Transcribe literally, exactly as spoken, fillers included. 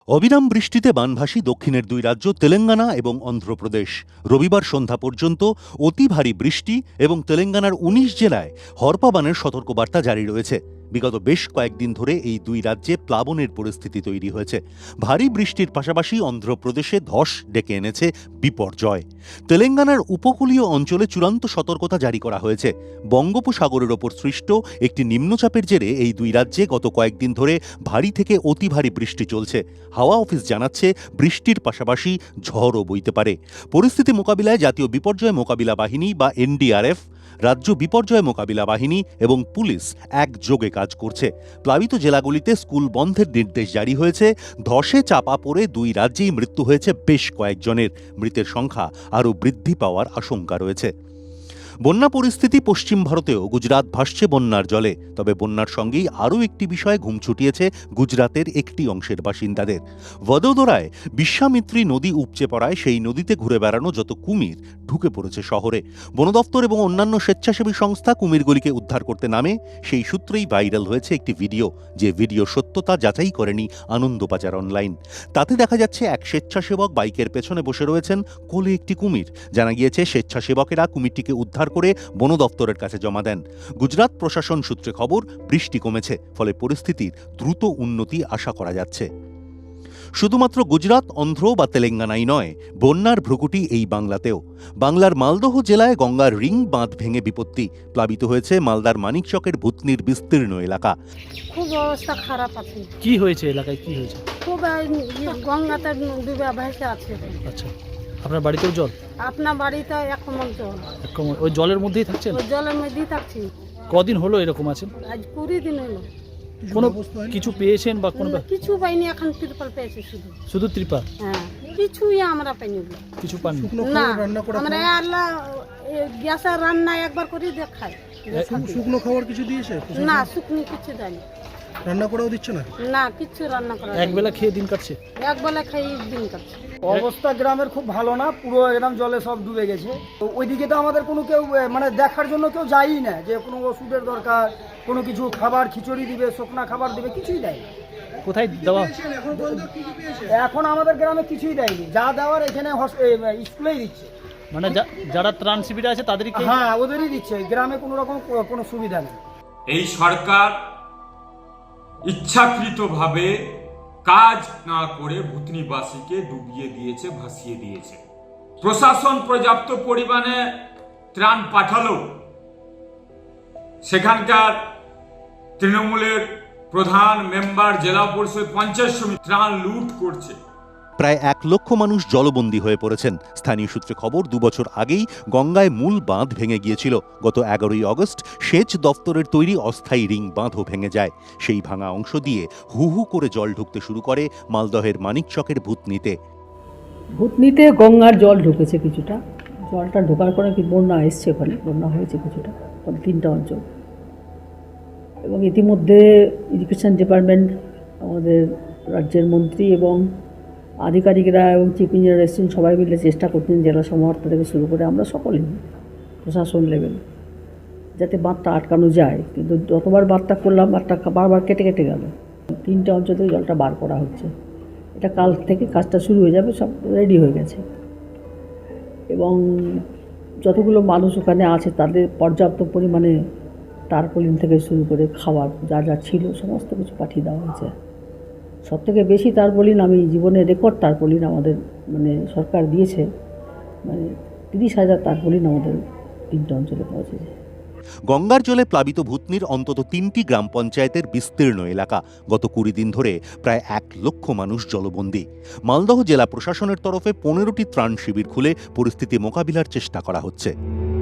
অবিরাম বৃষ্টিতে বানভাসী দক্ষিণের দুই রাজ্য তেলেঙ্গানা এবং অন্ধ্রপ্রদেশ। রবিবার সন্ধ্যা পর্যন্ত অতি ভারী বৃষ্টি এবং তেলেঙ্গানার উনিশ জেলায় হরপাবানের সতর্কবার্তা জারি রয়েছে। বিগত বেশ কয়েকদিন ধরে এই দুই রাজ্যে প্লাবনের পরিস্থিতি তৈরি হয়েছে। ভারী বৃষ্টির পাশাপাশি অন্ধ্রপ্রদেশে ধস ডেকে এনেছে বিপর্যয়। তেলেঙ্গানার উপকূলীয় অঞ্চলে চূড়ান্ত সতর্কতা জারি করা হয়েছে। বঙ্গোপসাগরের ওপর সৃষ্ট একটি নিম্নচাপের জেরে এই দুই রাজ্যে গত কয়েকদিন ধরে ভারী থেকে অতি ভারী বৃষ্টি চলছে। হাওয়া অফিস জানাচ্ছে বৃষ্টির পাশাপাশি ঝড়ও বইতে পারে। পরিস্থিতি মোকাবিলায় জাতীয় বিপর্যয় মোকাবিলা বাহিনী বা এনডিআরএফ, রাজ্য বিপর্যয় মোকাবিলা বাহিনী এবং পুলিশ একযোগে কাজ করছে। প্লাবিত জেলাগুলিতে স্কুল বন্ধের নির্দেশ জারি হয়েছে। ধসে চাপা পড়ে দুই রাজ্যেই মৃত্যু হয়েছে বেশ কয়েকজনের। মৃতের সংখ্যা আরও বৃদ্ধি পাওয়ার আশঙ্কা রয়েছে। বন্যা পরিস্থিতি পশ্চিম ভারতেও গুজরাট ভাসছে বন্যার জলে। তবে বন্যার সঙ্গেই আরও একটি বিষয়ে ঘুম ছুটিয়েছে গুজরাতের একটি অংশের বাসিন্দাদের। ভদোদরায় বিশ্বামিত্রী নদী উপচে পড়ায় সেই নদীতে ঘুরে বেড়ানো যত কুমির ঢুকে পড়েছে শহরে। বন দপ্তর এবং অন্যান্য স্বেচ্ছাসেবী সংস্থা কুমিরগুলিকে উদ্ধার করতে নামে। সেই সূত্রেই ভাইরাল হয়েছে একটি ভিডিও, যে ভিডিও সত্যতা যাচাই করেনি আনন্দবাজার অনলাইন। তাতে দেখা যাচ্ছে এক স্বেচ্ছাসেবক বাইকের পেছনে বসে রয়েছেন, কোলে একটি কুমির। জানা গিয়েছে স্বেচ্ছাসেবকেরা কুমিরটিকে উদ্ধার করে বন দপ্তরের কাছে জমা দেন। গুজরাট প্রশাসন সূত্রে খবর, বৃষ্টি কমেছে, ফলে পরিস্থিতির দ্রুত উন্নতি আশা করা যাচ্ছে। শুধুমাত্র গুজরাট, অন্ধ্র বা তেলেঙ্গানাই নয়, বন্যার ভ্রুকুটি এই বাংলাতেও। বাংলার মালদহ জেলায় গঙ্গার রিং বাঁধ ভেঙে বিপত্তি। প্লাবিত হয়েছে মালদার মানিকচকের ভূতনির বিস্তীর্ণ এলাকা। খুব অবস্থা খারাপ আছে। কি হয়েছে এলাকায়, কি হয়েছে? খুব গঙ্গাতে ডুবে ভেসে আছে। আচ্ছা, আপনার বাড়িতেও জল? আপনার বাড়িতে এক কমল জল। এক কমল, ওই জলের মধ্যেই থাকছেন? ওই জলের মধ্যেই থাকছি। কদিন হলো এরকম আছেন? আজ কুড়ি দিন হলো। কোনো কিছু পেয়েছেন বা কোনো? কিছু পাইনি, এখন ত্রিপাল পেয়েছি শুধু। শুধু ত্রিপাল? হ্যাঁ, কিছুই আমরা পাইনি। কিছু পাননি? না, আমরা আল্লাহ গ্যাসের রান্না একবার করে দেখাই। শুকনো খাবার কিছু দিয়েছে? না, শুকনো কিছু দেয়নি। রান্না করাও দিচ্ছে না? না, কিছু রান্না করা। এক বেলা খেয়ে দিন কাটছে? এক বেলা খেয়ে দিন কাটছে। অবস্থা গ্রামের খুব ভালো না, পুরো গ্রাম জলে সব ডুবে গেছে। তো ওইদিকে তো আমাদের কোনো কেউ মানে দেখার জন্য কেউ যায়ই না, যে কোনো ওষুধের দরকার, কোনো কিছু খাবার, খিচুড়ি দিবে, শুকনা খাবার দিবে, কিছুই দেয় না। কোথায় দেওয়া? এখন আমাদের গ্রামে কিছুই দেয়নি, যা দেওয়ার এখানে স্কুলেই দিচ্ছে। মানে যারা ত্রাণ শিবিরে আছে তাদেরকে? হ্যাঁ, ওদেরই দিচ্ছে, গ্রামে কোনো রকম কোনো সুবিধা নেই। এই সরকার ইচ্ছাকৃতভাবে কাজ না করে ভূতনিবাসীকে ডুবিয়ে দিয়েছে, ভাসিয়ে দিয়েছে। প্রশাসন পর্যাপ্ত পরিমাণে ত্রাণ পাঠালো, সেখানকার তৃণমূলের প্রধান, মেম্বার, জেলা পরিষদ, পঞ্চায়েত সমিতি ত্রাণ লুট করছে। প্রায় এক লক্ষ মানুষ জলবন্দী হয়ে পড়েছেন। স্থানীয় সূত্রে খবর, দুবছর আগেই গঙ্গায় মূল বাঁধ ভেঙে গিয়েছিল। গত এগারোই আগস্ট সেচ দপ্তরের তৈরি অস্থায়ী রিং বাঁধও ভেঙে যায়। সেই ভাঙা অংশ দিয়ে হু হু করে জল ঢুকতে শুরু করে মালদহের মানিকচকের ভূতনিতে। ভূতনিতে গঙ্গার জল ঢুকেছে কিছুটা। জলটা ঢোকার পরে কি বন্যা এসছে, ওখানে বন্যা হয়েছে কিছুটা, তিনটা অঞ্চল। এবং ইতিমধ্যে এডুকেশন ডিপার্টমেন্ট, আমাদের রাজ্যের মন্ত্রী এবং আধিকারিকরা এবং চিফ ইঞ্জিনিয়ার এসেছেন, সবাই মিলে চেষ্টা করছেন জেলা সমাহর্তা থেকে শুরু করে আমরা সকলেই, প্রশাসন লেভেল, যাতে বাঁধটা আটকানো যায়। কিন্তু যতবার বাঁধটা করলাম, বাঁধটা বারবার কেটে কেটে গেল। তিনটে অঞ্চল থেকে জলটা বার করা হচ্ছে। এটা কাল থেকে কাজটা শুরু হয়ে যাবে, সব রেডি হয়ে গেছে। এবং যতগুলো মানুষ ওখানে আছে তাদের পর্যাপ্ত পরিমাণে টারপলিন থেকে শুরু করে খাবার যা যা ছিল সমস্ত কিছু পাঠিয়ে দেওয়া হয়েছে। সব থেকে বেশি টারপলিন, আমি জীবনে রেকর্ড টারপলিন আমাদের মানে সরকার দিয়েছে, মানে তিরিশ হাজার টারপলিন আমাদের তিনটে অঞ্চলে পৌঁছেছে। গঙ্গার জলে প্লাবিত ভূতনির অন্তত তিনটি গ্রাম পঞ্চায়েতের বিস্তীর্ণ এলাকা। গত কুড়ি দিন ধরে প্রায় এক লক্ষ মানুষ জলবন্দী। মালদহ জেলা প্রশাসনের তরফে পনেরোটি ত্রাণ শিবির খুলে পরিস্থিতি মোকাবিলার চেষ্টা করা হচ্ছে।